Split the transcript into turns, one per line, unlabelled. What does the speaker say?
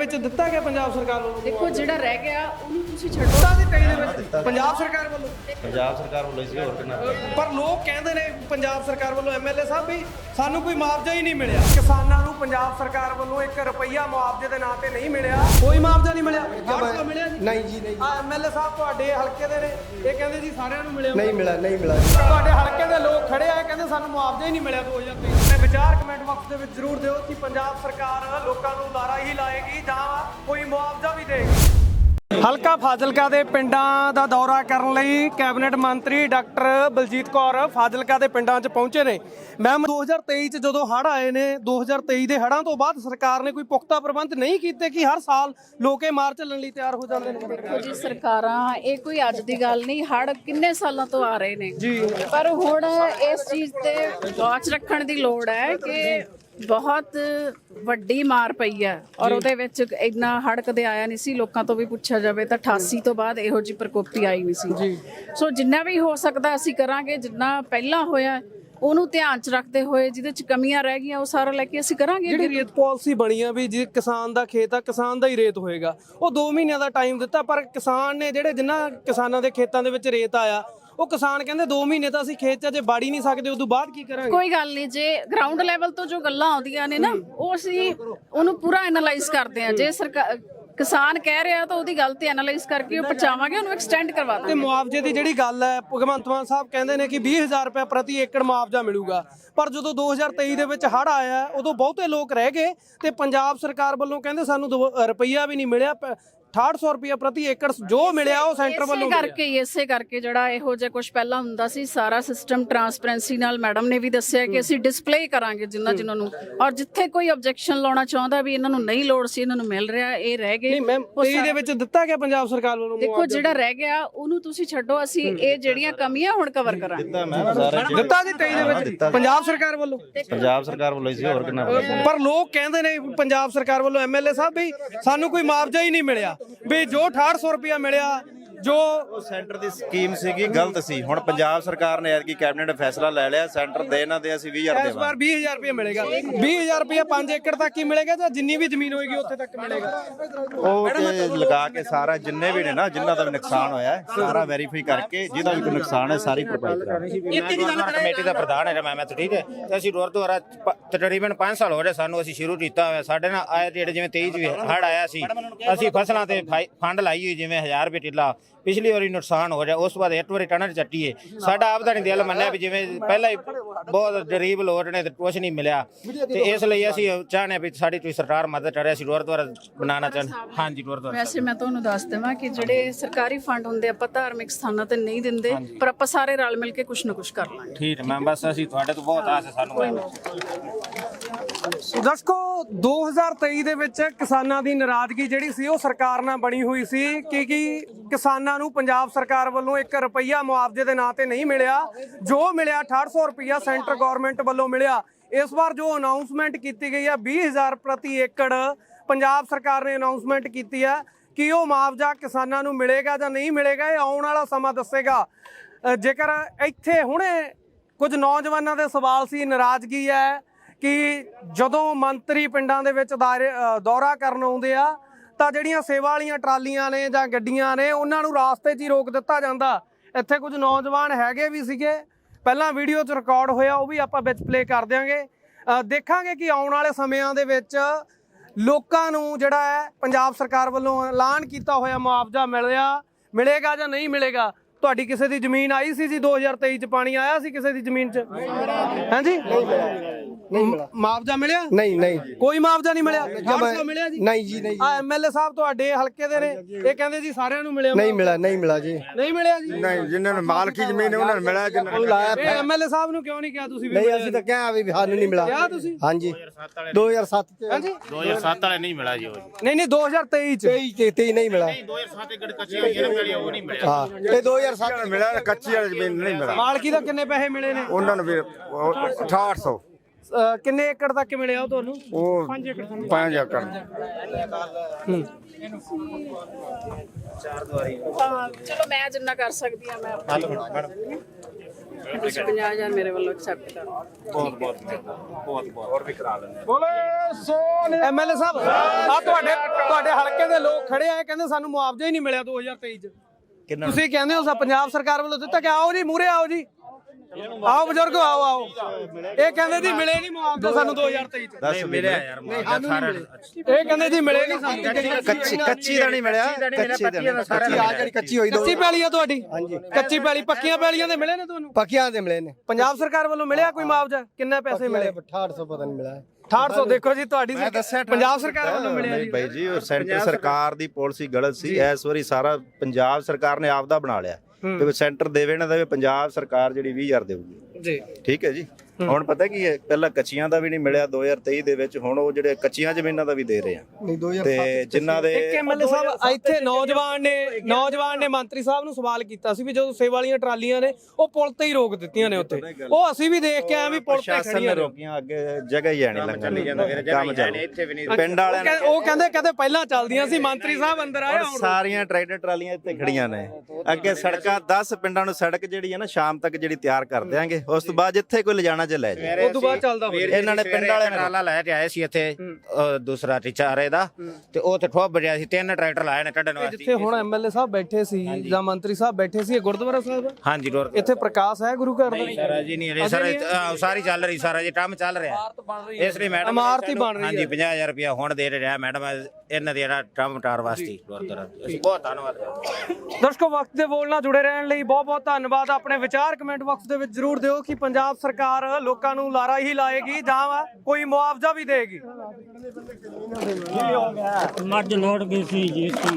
ਵਿੱਚ ਦਿੱਤਾ ਗਿਆ ਪੰਜਾਬ ਸਰਕਾਰ ਵੱਲੋਂ?
ਦੇਖੋ ਜਿਹੜਾ ਰਹਿ ਗਿਆ ਉਹਨੂੰ ਤੁਸੀਂ ਛੱਡੋ।
ਦਿੱਤਾ ਸੀ 23 ਦੇ ਵਿੱਚ ਪੰਜਾਬ ਸਰਕਾਰ ਵੱਲੋਂ
ਸੀ ਹੋਰ ਕਿੰਨਾ।
ਪਰ ਲੋਕ ਕਹਿੰਦੇ ਨੇ ਪੰਜਾਬ ਸਰਕਾਰ ਵੱਲੋਂ ਐਮਐਲਏ ਸਾਹਿਬ ਵੀ ਸਾਨੂੰ ਕੋਈ ਮੁਆਵਜ਼ਾ ਹੀ ਨਹੀਂ ਮਿਲਿਆ। ਕਿਸਾਨਾਂ ਨੂੰ ਪੰਜਾਬ ਸਰਕਾਰ ਵੱਲੋਂ 1 ਰੁਪਈਆ ਮੁਆਵਜ਼ੇ ਦੇ ਨਾਂ ਤੇ ਨਹੀਂ ਮਿਲਿਆ। ਕੋਈ ਮੁਆਵਜ਼ਾ ਨਹੀਂ ਮਿਲਿਆ। ਮਿਲਿਆ ਜੀ?
ਨਹੀਂ ਜੀ ਨਹੀਂ।
ਐਮਐਲਏ ਸਾਹਿਬ ਤੁਹਾਡੇ ਹਲਕੇ ਦੇ ਨੇ, ਇਹ ਕਹਿੰਦੇ ਜੀ ਸਾਰਿਆਂ ਨੂੰ ਮਿਲਿਆ।
ਨਹੀਂ ਮਿਲਾ
ਤੁਹਾਡੇ ਹਲਕੇ ਦੇ ਲੋਕ ਖੜੇ ਆ, ਕਹਿੰਦੇ ਸਾਨੂੰ ਮੁਆਵਜ਼ਾ ਹੀ ਨਹੀਂ ਮਿਲਿਆ 2023। ਤੇ ਵਿਚਾਰ ਕਮੈਂਟ ਬਾਕਸ ਦੇ ਵਿੱਚ ਜ਼ਰੂਰ ਦਿਓ ਕਿ ਪੰਜਾਬ ਸਰਕਾਰ ਲੋਕਾਂ ਨੂੰ ਲਾਰਾ ਹੀ ਲਾਏਗੀ ਜਾਂ ਕੋਈ ਮੁਆਵਜ਼ਾ ਵੀ ਦੇਗੀ। ਹਲਕਾ ਫਾਜ਼ਿਲਕਾ ਦੇ ਪਿੰਡਾਂ ਦਾ ਦੌਰਾ ਕਰਨ ਲਈ ਕੈਬਨਿਟ ਮੰਤਰੀ ਡਾਕਟਰ ਬਲਜੀਤ ਕੌਰ ਫਾਜ਼ਿਲਕਾ ਦੇ ਪਿੰਡਾਂ 'ਚ ਪਹੁੰਚੇ ਨੇ। ਮੈਮ 2023 'ਚ ਜਦੋਂ ਹੜ੍ਹ ਆਏ ਨੇ, 2023 ਦੇ ਹੜ੍ਹਾਂ ਤੋਂ ਬਾਅਦ ਸਰਕਾਰ ਨੇ ਕੋਈ ਪੁਖਤਾ ਪ੍ਰਬੰਧ ਨਹੀਂ ਕੀਤੇ ਕਿ ਹਰ ਸਾਲ ਲੋਕ ਇਹ ਮਾਰ ਚੱਲਣ ਲਈ ਤਿਆਰ ਹੋ ਜਾਂਦੇ ਨੇ?
ਦੇਖੋ ਜੀ ਸਰਕਾਰਾਂ, ਇਹ ਕੋਈ ਅੱਜ ਦੀ ਗੱਲ ਨਹੀਂ, ਹੜ੍ਹ ਕਿੰਨੇ ਸਾਲਾਂ ਤੋਂ ਆ ਰਹੇ ਨੇ
ਜੀ।
ਪਰ ਹੁਣ ਇਸ ਚੀਜ਼ ਤੇ ਵਾਚ ਰੱਖਣ ਦੀ ਲੋੜ ਹੈ ਕਿ ਬਹੁਤ ਵੱਡੀ ਮਾਰ ਪਈ ਹੈ ਔਰ ਉਹਦੇ ਵਿੱਚ ਇੰਨਾ ਹੜ੍ਹ ਕਦੇ ਆਇਆ ਨਹੀਂ ਸੀ। ਲੋਕਾਂ ਤੋਂ ਵੀ ਪੁੱਛਿਆ ਜਾਵੇ ਤਾਂ 88 ਤੋਂ ਬਾਅਦ ਇਹੋ ਜਿਹੀ ਪ੍ਰਕੋਪੀ ਆਈ ਨਹੀਂ ਸੀ। ਸੋ ਜਿੰਨਾ ਵੀ ਹੋ ਸਕਦਾ ਅਸੀਂ ਕਰਾਂਗੇ। ਜਿੰਨਾ ਪਹਿਲਾਂ ਹੋਇਆ ਉਹਨੂੰ ਧਿਆਨ 'ਚ ਰੱਖਦੇ ਹੋਏ ਜਿਹਦੇ 'ਚ ਕਮੀਆਂ ਰਹਿ ਗਈਆਂ ਉਹ ਸਾਰਾ ਲੈ ਕੇ ਅਸੀਂ ਕਰਾਂਗੇ।
ਜਿਹੜੀ ਰੇਤ ਪਾਲਿਸੀ ਬਣੀ ਆ ਵੀ ਜੇ ਕਿਸਾਨ ਦਾ ਖੇਤ ਆ ਕਿਸਾਨ ਦਾ ਹੀ ਰੇਤ ਹੋਏਗਾ, ਉਹ 2 ਮਹੀਨਿਆਂ ਦਾ ਟਾਈਮ ਦਿੱਤਾ, ਪਰ ਕਿਸਾਨ ਨੇ ਜਿਹੜੇ ਜਿਨ੍ਹਾਂ ਕਿਸਾਨਾਂ ਦੇ ਖੇਤਾਂ ਦੇ ਵਿੱਚ ਰੇਤ ਆਇਆ ਉਹ ਕਿਸਾਨ ਕਹਿੰਦੇ 2 ਮਹੀਨੇ ਤਾਂ ਅਸੀਂ ਖੇਤ 'ਚ ਜੇ ਬਾੜੀ ਨਹੀਂ ਸਕਦੇ, ਉਦੋਂ ਬਾਅਦ ਕੀ ਕਰਾਂਗੇ?
ਕੋਈ ਗੱਲ ਨਹੀਂ, ਜੇ ਗਰਾਊਂਡ ਲੈਵਲ ਤੋਂ ਜੋ ਗੱਲਾਂ ਆਉਂਦੀਆਂ ਨੇ ਨਾ ਉਹ ਅਸੀਂ ਉਹਨੂੰ ਪੂਰਾ ਐਨਾਲਾਈਜ਼ ਕਰਦੇ ਆ। ਜੇ ਸਰਕਾਰ ਕਿਸਾਨ ਕਹਿ ਰਿਹਾ ਤਾਂ ਉਹਦੀ ਗੱਲ ਤੇ ਐਨਾਲਾਈਜ਼ ਕਰਕੇ ਉਹ ਪਹੁੰਚਾਵਾਂਗੇ, ਉਹਨੂੰ ਐਕਸਟੈਂਡ ਕਰਵਾ ਦਾਂਗੇ।
ਤੇ ਮੁਆਵਜ਼ੇ ਦੀ ਜਿਹੜੀ ਗੱਲ ਹੈ, ਭਗਵੰਤ ਮਾਨ ਸਾਹਿਬ ਕਹਿੰਦੇ ਨੇ ਕਿ 20,000 ਰੁਪਏ ਪ੍ਰਤੀ ਏਕੜ ਮੁਆਵਜ਼ਾ ਮਿਲੂਗਾ, ਪਰ ਜਦੋਂ 2023 ਦੇ ਵਿੱਚ ਹੜ੍ਹ ਆਇਆ ਉਦੋਂ ਬਹੁਤੇ ਲੋਕ ਰਹਿ ਗਏ ਤੇ ਪੰਜਾਬ ਸਰਕਾਰ ਵੱਲੋਂ ਕਹਿੰਦੇ ਸਾਨੂੰ ਰੁਪਈਆ ਵੀ ਨਹੀਂ ਮਿਲਿਆ। 6800 ਰੁਪਏ ਪ੍ਰਤੀ ਏਕੜ ਜੋ ਮਿਲਿਆ ਉਹ ਸੈਂਟਰ ਵੱਲੋਂ
ਇਸੇ ਕਰਕੇ ਜਿਹੜਾ ਇਹੋ ਜਿਹਾ ਕੁਝ ਪਹਿਲਾਂ ਹੁੰਦਾ ਸੀ, ਸਾਰਾ ਸਿਸਟਮ ਟਰਾਂਸਪੇਰੈਂਸੀ ਨਾਲ ਮੈਡਮ ਨੇ ਵੀ ਦੱਸਿਆ ਕਿ ਅਸੀਂ ਡਿਸਪਲੇ ਕਰਾਂਗੇ ਜਿਨ੍ਹਾਂ ਨੂੰ, ਔਰ ਜਿੱਥੇ ਕੋਈ ਆਬਜੈਕਸ਼ਨ ਲਾਉਣਾ ਚਾਹੁੰਦਾ ਵੀ ਇਹਨਾਂ ਨੂੰ ਨਹੀਂ ਲੋੜ ਸੀ, ਇਹਨਾਂ ਨੂੰ ਮਿਲ ਰਿਹਾ, ਇਹ ਰਹਿ ਗਏ।
ਨਹੀਂ ਮੈਮ 23 ਦੇ ਵਿੱਚ ਦਿੱਤਾ ਗਿਆ ਪੰਜਾਬ ਸਰਕਾਰ ਵੱਲੋਂ?
ਦੇਖੋ ਜਿਹੜਾ ਰਹਿ ਗਿਆ ਉਹਨੂੰ ਤੁਸੀਂ ਛੱਡੋ, ਅਸੀਂ ਇਹ ਜਿਹੜੀਆਂ ਕਮੀਆਂ ਹੁਣ ਕਵਰ ਕਰਾਂਗੇ।
ਦਿੱਤਾ ਜੀ 23 ਦੇ ਵਿੱਚ ਪੰਜਾਬ ਸਰਕਾਰ ਵੱਲੋਂ?
ਸੀ ਹੋਰ ਕਿੰਨਾ।
ਪਰ ਲੋਕ ਕਹਿੰਦੇ ਨੇ ਪੰਜਾਬ ਸਰਕਾਰ ਵੱਲੋਂ ਐਮਐਲਏ ਸਾਹਿਬ ਵੀ ਸਾਨੂੰ ਕੋਈ ਮੁਆਵਜ਼ਾ ਹੀ ਨਹੀਂ ਮਿਲਿਆ, ਵੀ ਜੋ 6800 ਰੁਪਇਆ ਮਿਲਿਆ ਜੋ
ਸੈਂਟਰ ਦੀ ਸਕੀਮ ਸੀਗੀ ਗਲਤ ਸੀ। ਹੁਣ ਪੰਜਾਬ ਸਰਕਾਰ ਨੇ ਐਤਕੀ ਕੈਬਨਿਟ ਫੈਸਲਾ ਲੈ ਲਿਆ, ਸੈਂਟਰ ਦੇ ਇਹਨਾਂ ਦੇ ਅਸੀਂ 20,000
ਇਸ ਵਾਰ 20,000 ਰੁਪਇਆ ਮਿਲੇਗਾ। 20,000 ਰੁਪਇਆ 5 ਏਕੜ ਤੱਕ ਹੀ ਮਿਲੇਗਾ ਜਾਂ ਜਿੰਨੀ ਵੀ ਜ਼ਮੀਨ ਹੋਏਗੀ ਉੱਥੇ ਤੱਕ ਮਿਲੇਗਾ?
ਉਹ ਤੇ ਲਗਾ ਕੇ ਸਾਰਾ ਜਿੰਨੇ ਵੀ ਨੇ ਨਾ ਜਿਨ੍ਹਾਂ ਦਾ ਵੀ ਨੁਕਸਾਨ ਹੋਇਆ ਸਾਰਾ ਵੈਰੀਫਾਈ ਕਰਕੇ ਜਿਹਦਾ ਵੀ ਕੋਈ ਨੁਕਸਾਨ ਹੈ ਸਾਰੀ ਭਰਪਾਈ ਕਰਾਂਗੇ।
ਕਮੇਟੀ ਦਾ ਪ੍ਰਧਾਨ ਹੈ ਮੈਂ ਠੀਕ ਹੈ ਤੇ ਅਸੀਂ ਗੁਰਦੁਆਰਾ ਤਕਰੀਬਨ 5 ਸਾਲ ਹੋ ਗਏ ਸਾਨੂੰ, ਅਸੀਂ ਸ਼ੁਰੂ ਕੀਤਾ ਹੋਇਆ। ਸਾਡੇ ਨਾਲ ਆਏ ਜਿਹੜੇ ਜਿਵੇਂ 23 ਚ ਹੜ੍ਹ ਆਇਆ ਸੀ, ਅਸੀਂ ਫਸਲਾਂ ਤੇ ਫੰਡ ਲਾਈ ਹੋਈ ਜਿਵੇਂ 1000 ਰੁਪਏ ਟਿੱਲਾ। ਪਿਛਲੀ ਵਾਰੀ ਨੁਕਸਾਨ ਹੋ ਜਾ ਉਸ ਤੋਂ ਬਾਅਦ ਇੱਕ ਵਾਰੀ ਟਣਰ ਚੱਟੀਏ। ਸਾਡਾ ਆਪਦਾ ਨਹੀਂ ਦਿਲ ਮੰਨਿਆ ਵੀ ਜਿਵੇਂ ਪਹਿਲਾਂ ਹੀ ਬਹੁਤ ਗਰੀਬ ਲੋਕ ਨੇ ਤੇ ਕੁਛ ਨਹੀਂ ਮਿਲਿਆ, ਤੇ ਇਸ ਲਈ ਅਸੀਂ ਚਾਹੁੰਦੇ ਵੀ ਸਾਡੀ ਕੋਈ ਸਰਕਾਰ ਮਦਦ ਕਰੇ। ਅਸੀਂ ਗੁਰਦੁਆਰਾ ਬਣਾਉਣਾ ਚਾਹੁੰਦੇ। ਹਾਂਜੀ ਗੁਰਦੁਆਰਾ।
ਵੈਸੇ ਮੈਂ ਤੁਹਾਨੂੰ ਦੱਸ ਦੇਵਾਂ ਕਿ ਜਿਹੜੇ ਸਰਕਾਰੀ ਫੰਡ ਹੁੰਦੇ ਆਪਾਂ ਧਾਰਮਿਕ ਸਥਾਨਾਂ ਤੇ ਨਹੀਂ ਦਿੰਦੇ, ਪਰ ਆਪਾਂ ਸਾਰੇ ਰਲ ਮਿਲ ਕੇ ਕੁਛ ਨਾ ਕੁਛ ਕਰ ਲਾਂਗੇ।
ਠੀਕ ਹੈ ਮੈਮ, ਬਸ ਅਸੀਂ ਤੁਹਾਡੇ ਤੋਂ ਬਹੁਤ ਆਸ ਹੈ ਸਾਨੂੰ।
ਦਰਸ਼ਕੋ 2023 ਦੇ ਵਿੱਚ ਕਿਸਾਨਾਂ ਦੀ ਨਾਰਾਜ਼ਗੀ ਜਿਹੜੀ ਸੀ ਉਹ ਸਰਕਾਰ ਨਾਲ ਬਣੀ ਹੋਈ ਸੀ ਕਿ ਕਿਸਾਨਾਂ ਨੂੰ ਪੰਜਾਬ ਸਰਕਾਰ ਵੱਲੋਂ 1 ਰੁਪਈਆ ਮੁਆਵਜ਼ੇ ਦੇ ਨਾਂ ਤੇ ਨਹੀਂ ਮਿਲਿਆ। ਜੋ ਮਿਲਿਆ 6800 ਰੁਪਈਆ ਸੈਂਟਰ ਗਵਰਨਮੈਂਟ ਵੱਲੋਂ ਮਿਲਿਆ। ਇਸ ਵਾਰ ਜੋ ਅਨਾਉਂਸਮੈਂਟ ਕੀਤੀ ਗਈ ਹੈ 20,000 ਪ੍ਰਤੀ ਏਕੜ ਪੰਜਾਬ ਸਰਕਾਰ ਨੇ ਅਨਾਉਂਸਮੈਂਟ ਕੀਤੀ ਹੈ ਕਿ ਉਹ ਮੁਆਵਜ਼ਾ ਕਿਸਾਨਾਂ ਨੂੰ ਮਿਲੇਗਾ ਜਾਂ ਨਹੀਂ ਮਿਲੇਗਾ, ਇਹ ਆਉਣ ਵਾਲਾ ਸਮਾਂ ਦੱਸੇਗਾ। ਜੇਕਰ ਇੱਥੇ ਹੁਣੇ ਕੁਝ ਨੌਜਵਾਨਾਂ ਦੇ ਸਵਾਲ ਸੀ, ਨਾਰਾਜ਼ਗੀ ਹੈ ਕਿ ਜਦੋਂ ਮੰਤਰੀ ਪਿੰਡਾਂ ਦੇ ਵਿੱਚ ਦੌਰਾ ਕਰਨ ਆਉਂਦੇ ਆ ਤਾਂ ਜਿਹੜੀਆਂ ਸੇਵਾ ਵਾਲੀਆਂ ਟਰਾਲੀਆਂ ਨੇ ਜਾਂ ਗੱਡੀਆਂ ਨੇ ਉਹਨਾਂ ਨੂੰ ਰਾਸਤੇ 'ਚ ਹੀ ਰੋਕ ਦਿੱਤਾ ਜਾਂਦਾ। ਇੱਥੇ ਕੁਝ ਨੌਜਵਾਨ ਹੈਗੇ ਵੀ ਸੀਗੇ, ਪਹਿਲਾਂ ਵੀਡੀਓ 'ਚ ਰਿਕਾਰਡ ਹੋਇਆ, ਉਹ ਵੀ ਆਪਾਂ ਵਿੱਚ ਪਲੇ ਕਰ ਦਿਆਂਗੇ। ਦੇਖਾਂਗੇ ਕਿ ਆਉਣ ਵਾਲੇ ਸਮਿਆਂ ਦੇ ਵਿੱਚ ਲੋਕਾਂ ਨੂੰ ਜਿਹੜਾ ਹੈ ਪੰਜਾਬ ਸਰਕਾਰ ਵੱਲੋਂ ਐਲਾਨ ਕੀਤਾ ਹੋਇਆ ਮੁਆਵਜ਼ਾ ਮਿਲੇਗਾ ਜਾਂ ਨਹੀਂ ਮਿਲੇਗਾ। ਤੁਹਾਡੀ ਕਿਸੇ ਦੀ ਜ਼ਮੀਨ ਆਈ ਸੀ ਜੀ 2023 ਚ? ਪਾਣੀ ਆਇਆ ਸੀ ਕਿਸੇ ਦੀ ਜ਼ਮੀਨ ਚ? ਹਾਂਜੀ ਮੁਆਵਜ਼ਾ ਮਿਲਿਆ?
ਨਹੀਂ
ਕੋਈ ਮੁਆਵਜ਼ਾ ਨਹੀਂ ਮਿਲਿਆ। ਮਿਲਿਆ ਜੀ?
ਨਹੀਂ ਜੀ ਨਹੀਂ।
ਐਮਐਲਏ ਸਾਹਿਬ ਤੁਹਾਡੇ ਹਲਕੇ ਦੇ ਨੇ, ਇਹ ਕਹਿੰਦੇ ਜੀ ਸਾਰਿਆਂ ਨੂੰ ਮਿਲਿਆ।
ਨਹੀਂ ਮਿਲਾ ਜੀ।
ਨਹੀਂ ਮਿਲਿਆ ਜੀ?
ਨਹੀਂ, ਜਿਨ੍ਹਾਂ ਨੂੰ ਮਾਲਕੀ ਜ਼ਮੀਨ ਹੈ ਉਹਨਾਂ ਨੂੰ ਮਿਲਿਆ, ਜਿਨ੍ਹਾਂ ਨੂੰ ਲਾਇਆ।
ਐਮਐਲਏ ਸਾਹਿਬ ਨੂੰ ਕਿਉਂ ਨਹੀਂ ਕਿਹਾ ਤੁਸੀਂ?
ਨਹੀਂ ਅਸੀਂ ਤਾਂ ਕਿਹਾ ਵੀ ਸਾਨੂੰ ਨਹੀਂ ਮਿਲਾ।
ਕਿਹਾ ਤੁਸੀਂ?
ਹਾਂਜੀ 2007 ਚ।
ਹਾਂਜੀ
2007 ਵਾਲੇ ਨਹੀਂ ਮਿਲਾ ਜੀ।
ਨਹੀਂ 2023 ਚ।
23 ਨਹੀਂ ਮਿਲਾ।
2007 ਏਕੜ ਕੱਚੀ ਹੋਈ ਹੈ ਨਾ, ਉਹ ਨਹੀਂ ਮਿਲਿਆ।
ਹਾਂ ਇਹ 2007 ਮਿਲਿਆ, ਕੱਚੀ ਵਾਲੀ ਜ਼ਮੀਨ ਨਹੀਂ ਮਿਲਾ।
ਮਾਲਕੀ ਦਾ ਕਿੰਨੇ ਪੈਸੇ ਮਿਲੇ ਨੇ
ਉਹਨਾਂ ਨੂੰ ਵੀ 6800।
ਕਿੰਨੇ ਏਕੜ ਤੱਕ ਮਿਲਿਆ ਉਹ ਤੁਹਾਨੂੰ?
ਉਹ 5 ਏਕੜ।
ਚਲੋ ਮੈਂ ਜਿੰਨਾ ਕਰ ਸਕਦੀ ਹਾਂ ਮੈਂ 50,000 ਮੇਰੇ ਵੱਲੋਂ ਐਕਸੈਪਟ ਕਰ।
ਬਹੁਤ ਹੋਰ ਵੀ ਕਰਾ ਲੈਂਦੇ।
ਬੋਲੇ ਸੋਨ। ਐਮਐਲਏ ਸਾਹਿਬ ਆ ਤੁਹਾਡੇ ਤੁਹਾਡੇ ਹਲਕੇ ਦੇ ਲੋਕ ਖੜੇ ਆ ਕਹਿੰਦੇ ਸਾਨੂੰ ਮੁਆਵਜ਼ਾ ਹੀ ਨਹੀਂ ਮਿਲਿਆ 2023 ਚ
ਕਿੰਨਾ
ਤੁਸੀਂ ਕਹਿੰਦੇ ਹੋ ਪੰਜਾਬ ਸਰਕਾਰ ਵੱਲੋਂ ਦਿੱਤਾ ਕਿ ਆਓ ਜੀ ਮੂਹਰੇ ਆਓ ਜੀ ਆਓ ਬਜ਼ੁਰਗੋ ਆਓ ਆਓ ਇਹ ਕਹਿੰਦੇ ਜੀ ਮਿਲੇ ਨਹੀਂ ਮੁਆਵਜ਼ਾ ਸਾਨੂੰ 2023 ਚ
ਦੱਸ ਮਿਲਿਆ
ਯਾਰ ਸਾਰਿਆਂ ਨੂੰ
ਇਹ ਕਹਿੰਦੇ ਜੀ ਮਿਲੇ ਨਹੀਂ ਸਾਨੂੰ
ਕੱਚੀ ਦਾ ਨਹੀਂ ਮਿਲਿਆ ਕੱਚੀ ਦਾ ਨਹੀਂ।
ਕੱਚੀ ਹੋਈ
ਕੱਚੀ ਪੈਲੀ ਆ ਤੁਹਾਡੀ ਹਾਂਜੀ ਕੱਚੀ ਪੈਲੀ ਪੱਕੀਆਂ ਪੈਲੀਆਂ ਦੇ ਮਿਲੇ ਨੇ ਤੁਹਾਨੂੰ
ਪੱਕੀਆਂ ਦੇ ਮਿਲੇ ਨੇ
ਪੰਜਾਬ ਸਰਕਾਰ ਵੱਲੋਂ ਮਿਲਿਆ ਕੋਈ ਮੁਆਵਜ਼ਾ ਕਿੰਨੇ ਪੈਸੇ ਮਿਲੇ
6800 ਪਤਾ ਨਹੀਂ ਮਿਲਿਆ
6800 ਦੇਖੋ ਜੀ ਤੁਹਾਡੀ ਪੰਜਾਬ ਸਰਕਾਰ ਵੱਲੋਂ ਮਿਲਿਆ
ਨਹੀਂ
ਜੀ
ਬਾਈ ਜੀ ਉਹ ਸੈਂਟਰ ਸਰਕਾਰ ਦੀ ਪਾਲਿਸੀ ਗਲਤ ਸੀ ਇਸ ਵਾਰੀ ਸਾਰਾ ਪੰਜਾਬ ਸਰਕਾਰ ਨੇ ਆਪਦਾ ਬਣਾ ਲਿਆ ਤੇ ਸੈਂਟਰ ਦੇਵੇ ਨਾ ਦੇਵੇ ਪੰਜਾਬ ਸਰਕਾਰ ਜਿਹੜੀ 20000 ਦੇਊਗੀ
ਜੀ
ਠੀਕ ਹੈ ਜੀ ਹੁਣ ਪਤਾ ਕੀ ਹੈ ਪਹਿਲਾਂ ਕੱਚੀਆਂ ਦਾ ਵੀ ਨਹੀਂ ਮਿਲਿਆ 2023 ਦੇ ਵਿੱਚ ਹੁਣ ਉਹ ਜਿਹੜੇ ਕੱਚੀਆਂ ਜ਼ਮੀਨਾਂ ਦਾ ਵੀ ਦੇ ਰਹੇ ਆ
ਨਹੀਂ 2000
ਤੇ ਜਿਨ੍ਹਾਂ ਦੇ
ਇੱਕ ਐਮਐਲਏ ਸਾਹਿਬ ਇੱਥੇ ਨੌਜਵਾਨ ਨੇ ਮੰਤਰੀ ਸਾਹਿਬ ਨੂੰ ਸਵਾਲ ਕੀਤਾ ਸੀ ਵੀ ਜਦੋਂ ਸੇਵਾ ਵਾਲੀਆਂ ਟਰਾਲੀਆਂ ਨੇ ਉਹ ਪੁਲ ਤੇ ਹੀ ਰੋਕ ਦਿੱਤੀਆਂ ਨੇ ਉੱਥੇ ਉਹ ਅਸੀਂ ਵੀ ਦੇਖ ਕੇ ਆਏ ਵੀ ਪੁਲ ਤੇ
ਪ੍ਰਸ਼ਾਸਨ
ਖੜੀਆਂ
ਨੇ
ਨੇ
ਰੋਕੀਆਂ ਅੱਗੇ ਜਗ੍ਹਾ ਹੀ ਆਣੀ ਲੰਘਣ ਕੰਮ ਚੱਲ
ਇੱਥੇ ਵੀ ਨਹੀਂ
ਪਿੰਡ ਵਾਲਿਆਂ ਨੇ
ਉਹ ਕਹਿੰਦੇ ਪਹਿਲਾਂ ਚੱਲਦੀਆਂ ਸੀ ਮੰਤਰੀ ਸਾਹਿਬ ਅੰਦਰ ਆਏ ਹੁਣ
ਸਾਰੀਆਂ ਟਰੈਕਟਰ ਟਰਾਲੀਆਂ ਇੱਥੇ ਖੜੀਆਂ ਨੇ ਅੱਗੇ ਸੜਕਾਂ 10 ਪਿੰਡਾਂ ਨੂੰ ਸੜਕ ਜਿਹੜੀ ਹੈ ਨਾ ਸ਼ਾਮ ਤੱਕ ਜਿਹੜੀ ਤਿਆਰ ਕਰ ਦਿਆਂਗੇ ਉਸ ਤੋਂ ਬਾਅਦ ਜਿੱਥੇ ਕੋਈ ਲਿਜਾਣਾ ਚ ਲੈ ਜਾਏ
ਉਸ ਤੋਂ ਬਾਅਦ ਚੱਲਦਾ ਹੋਵੇ
ਇਹਨਾਂ ਨੇ ਪਿੰਡ ਵਾਲਿਆਂ ਨੇ
ਟਰਾਲਾ ਲੈ ਕੇ ਆਏ ਸੀ ਇੱਥੇ ਦੂਸਰਾ ਟਿਚਾਰੇ ਦਾ ਤੇ ਉਹ ਤੇ ਠੋਬ ਬਜਿਆ ਸੀ 3 ਟਰੈਕਟਰ ਲਾਏ ਨੇ ਕੱਢਣ ਵਾਸਤੇ
ਜਿੱਥੇ ਹੁਣ ਐਮਐਲਏ ਸਾਹਿਬ ਬੈਠੇ ਸੀ ਜਾਂ ਮੰਤਰੀ ਸਾਹਿਬ ਬੈਠੇ ਸੀ ਇਹ ਗੁਰਦੁਆਰਾ ਸਾਹਿਬ ਹੈ
ਹਾਂਜੀ ਰੋਡ
ਇੱਥੇ ਪ੍ਰਕਾਸ਼ ਹੈ ਗੁਰੂ ਘਰ ਦਾ
ਸਾਰਾ ਜੀ ਨਹੀਂ ਸਰ ਸਾਰੀ ਚੱਲ ਰਹੀ ਸਾਰਾ ਜੀ ਕੰਮ ਚੱਲ ਰਿਹਾ ਇਸ ਲਈ ਮੈਡਮ
ਇਮਾਰਤ ਹੀ ਬਣ ਰਹੀ
ਹਾਂਜੀ 50000 ਰੁਪਇਆ ਹੁਣ ਦੇ ਰਿਹਾ ਮੈਡਮ ਇਹਨਾਂ ਦੀ ਜਿਹੜਾ ਕੰਮ ਟਾਰ ਵਾਸਤੇ ਗੁਰਦੁਆਰਾ ਅਸੀਂ ਬਹੁਤ ਧੰਨਵਾਦ
ਦਰਸ਼ਕੋ ਵਕਤ ਦੇ ਬੋਲ ਨਾਲ ਜੁੜੇ ਰਹਿਣ ਲਈ ਬਹੁਤ ਬਹੁਤ ਧੰਨਵਾਦ ਆਪਣੇ ਵਿਚਾਰ ਕਮੈਂਟ ਬਾਕਸ ਦੇ ਵਿੱਚ ਜਰੂਰ ਦਿਓ ਕਿ ਪੰਜਾਬ ਸਰਕਾਰ ਲੋਕਾਂ ਨੂੰ ਲਾਰਾ ਹੀ ਲਾਏਗੀ ਜਾਂ ਕੋਈ ਮੁਆਵਜ਼ਾ ਵੀ ਦੇਗੀ
ਮੱਝ ਲੋੜ ਗਈ ਸੀ ਜੀ